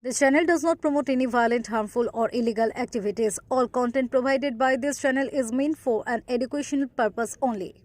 This channel does not promote any violent, harmful, or illegal activities. All content provided by this channel is meant for an educational purpose only.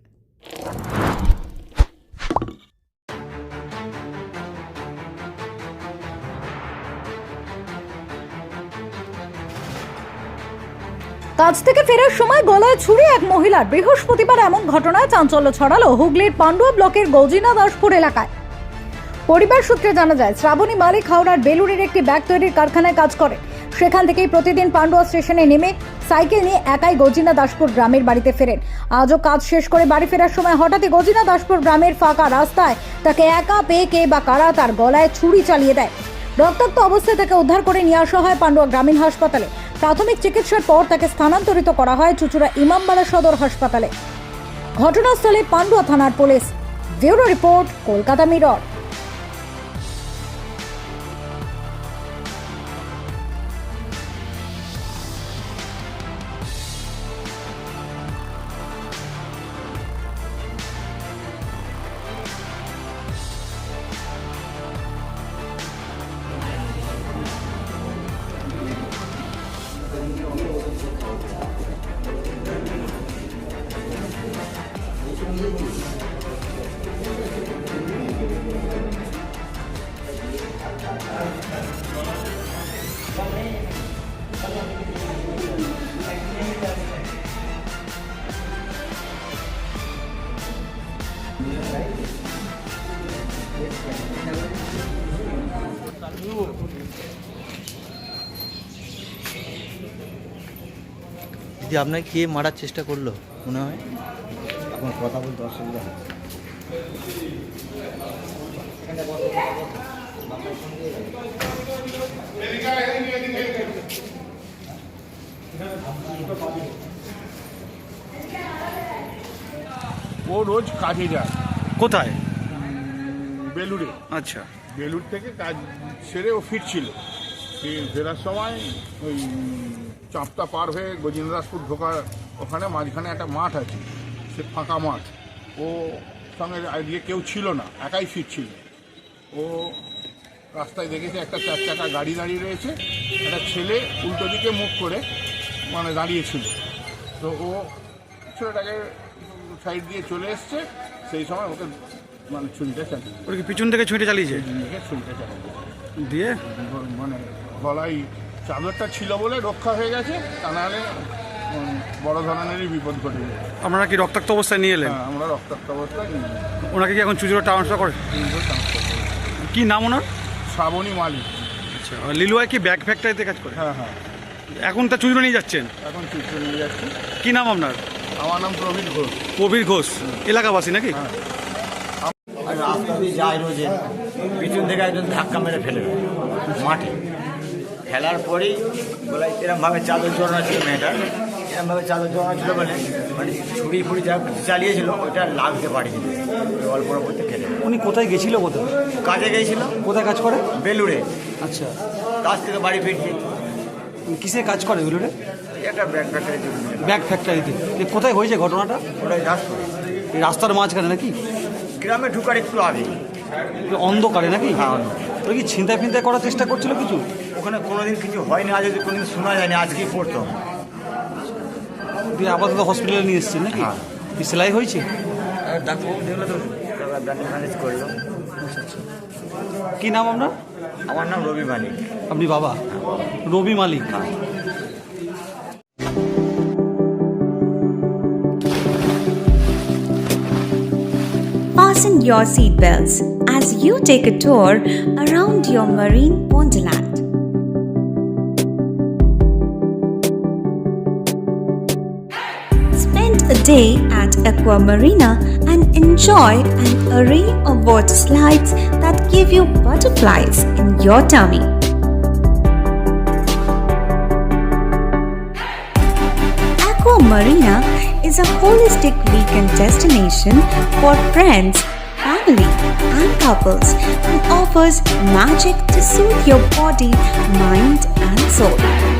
কাজ থেকে ফেরার সময় গলায় ছুরি এক মহিলার। বৃহস্পতিবার এমন ঘটনায় চাঞ্চল্য ছড়ালো হুগলির পান্ডুয়া ব্লকের গৌজিনা দাসপুর এলাকায়। পরিবার সূত্রে জানা যায়, শ্রাবণী মালিক হাওড়ার বেলুরের একটি ব্যাগ তৈরির কারখানায় কাজ করে। সেখান থেকেই প্রতিদিন পান্ডুয়া স্টেশনে নেমে সাইকেল নিয়ে একাই গৌজিনা দাসপুর গ্রামের বাড়িতে ফেরেন। আজও কাজ শেষ করে বাড়ি ফেরার সময় হঠাৎই গৌজিনা দাসপুর গ্রামের ফাঁকা রাস্তায় তাকে একা পেয়ে কে বা কারা তার গলায় ছুরি চালিয়ে দেয়। রক্তাক্ত অবস্থায় তাকে উদ্ধার করে নিয়ে আসা হয় পান্ডুয়া গ্রামীণ হাসপাতালে। প্রাথমিক চিকিৎসার পর তাকে স্থানান্তরিত করা হয় চুঁচুড়া ইমামবাড়া সদর হাসপাতালে। ঘটনাস্থলে পান্ডুয়া থানার police. Bureau report, Kolkata mirror. দিদি, আপনাকে কে মারার চেষ্টা করলো মনে হয়? এখন কথা বলতে অসুবিধা হচ্ছে। ও রোজ কাজে যায়। কোথায়? বেলুড়ে। আচ্ছা। বেলুড় থেকে কাজ সেরে ও ফিরছিল। ফেরার সময় ওই চাঁপটা পার হয়ে গজিন্দ্রাসপুর ঢোকার ওখানে মাঝখানে একটা মাঠ আছে, সে ফাঁকা মাঠ। ও সঙ্গে দিয়ে কেউ ছিল না, একাই ফিরছিল। ও রাস্তায় দেখেছে একটা 4 চাকা গাড়ি দাঁড়িয়ে রয়েছে, একটা ছেলে উল্টো দিকে মুখ করে মানে দাঁড়িয়েছিল। তো ও ছেলেটাকে সাইড দিয়ে চলে এসছে, সেই সময় ওকে মানে ছুরিটা চালিয়ে ওর কি পিছন থেকে ছুঁটে চালিয়েছে? ছুরিটা চালিয়ে দিয়ে মানে গলায় চাদরটা ছিল বলে রক্ষা হয়ে গেছে, তা নাহলে বড় ধরনেরই বিপদ ঘটে যায়। আপনারা কি রক্তাক্ত অবস্থায় নিয়ে এলেন? হ্যাঁ, আমরা রক্তাক্ত অবস্থায় নিয়ে যাই। ওনাকে কি এখন চুচুড়া ট্রান্সফার করে? কি নাম ওনার? শ্রাবণী মালিক। আচ্ছা। লিলুয়ায় কি ব্যাগ ফ্যাক্টরিতে কাজ করে? হ্যাঁ হ্যাঁ। এখন তা চুচুড়া নিয়ে যাচ্ছেন? এখন চিত্র নিয়ে যাচ্ছি। কি নাম আপনার? আমার নাম প্রবীর ঘোষ। কবির ঘোষ, এলাকাবাসী নাকি? হ্যাঁ। আর রাস্তা দিয়ে যায় রোজে, পিছন থেকে একজন ধাক্কা মেরে ফেলে দেয় মাঠে। ফেলার পরেই বলে এরমভাবে চাদর জড়ানো ছিল মেয়েটার, এরমভাবে চাদর জড়ানো ছিল বলে মানে ছুরি ফুড়ি যা চালিয়েছিল ওইটা লাগতে পারেনি, অল্প করতে ফেলে। উনি কোথায় গেছিল? কোথায় কাজে গিয়েছিল। কোথায় কাজ করে? বেলুড়ে। আচ্ছা। কাজ থেকে বাড়ি ফিরছে। কিসে কাজ করে বেলুড়ে? একটা ব্যাগ ফ্যাক্টরি। ব্যাগ ফ্যাক্টরিতে। কোথায় হয়েছে ঘটনাটা? ওটাই দাসপুরে। এই রাস্তার মাঝখানে নাকি? গ্রামে ঢুকার একটু আগে। অন্ধকারে নাকি? হ্যাঁ। ওরা কি ছিনতাই ফিনতাই করার চেষ্টা করছিল কিছু? ওখানে কোনোদিন কিছু হয়নি, আজ যদি কোনোদিন শোনা যায়নি, আজকেই পড়তো। দিয়ে আপাতত হসপিটালে নিয়ে এসেছেন নাকি? হ্যাঁ। কি সেলাই হয়েছে? ডাক্তারবাবু দেখলো তো ম্যানেজ করলো। কি নাম আপনার? আমার নাম রবি মালিক। আপনি বাবা? রবি মালিক। Fasten your seatbelts as you take a tour around your marine wonderland. Spend a day at Aqua Marina and enjoy an array of water slides that give you butterflies in your tummy. Aqua Marina is a holistic weekend destination for friends, family, and couples and offers magic to soothe your body, mind, and soul.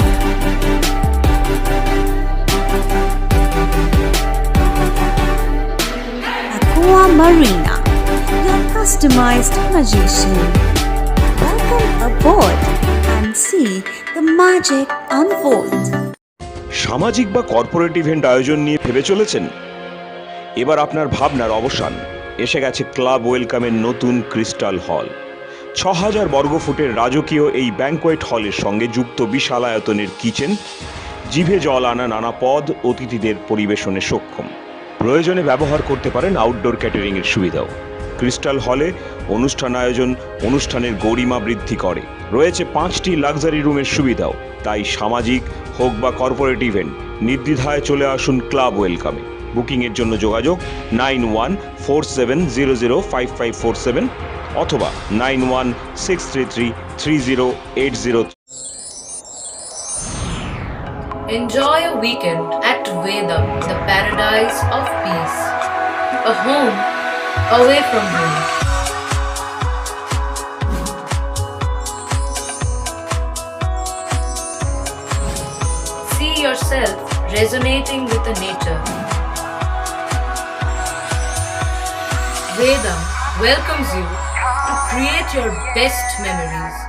Aqua Marina, your customized magician. Welcome aboard and see the magic unfold. সামাজিক বা corporate event আয়োজন নিয়ে ভেবে চলেছেন? এবার আপনার ভাবনার অবসান। এসে গেছে ক্লাব ওয়েলকামের নতুন ক্রিস্টাল হল। ৬,০০০ বর্গফুটের রাজকীয় এই ব্যাংকোয়েট হলের সঙ্গে যুক্ত বিশাল আয়তনের কিচেন, জিভে জল আনা নানা পদ অতিথিদের পরিবেশনে সক্ষম। প্রয়োজনে ব্যবহার করতে পারেন আউটডোর ক্যাটারিংয়ের সুবিধাও। ক্রিস্টাল হলে অনুষ্ঠান আয়োজন অনুষ্ঠানের গরিমা বৃদ্ধি করে। রয়েছে 5টি লাক্সারি রুমের সুবিধাও। তাই সামাজিক হোক বা কর্পোরেট ইভেন্ট নির্দ্বিধায় চলে আসুন ক্লাব ওয়েলকামে। বুকিংয়ের জন্য যোগাযোগ 9147005547 অথবা 9163333080। Enjoy a weekend at Vedam, the paradise of peace. A home away from home. See yourself resonating with the nature. Vedam welcomes you to create your best memories.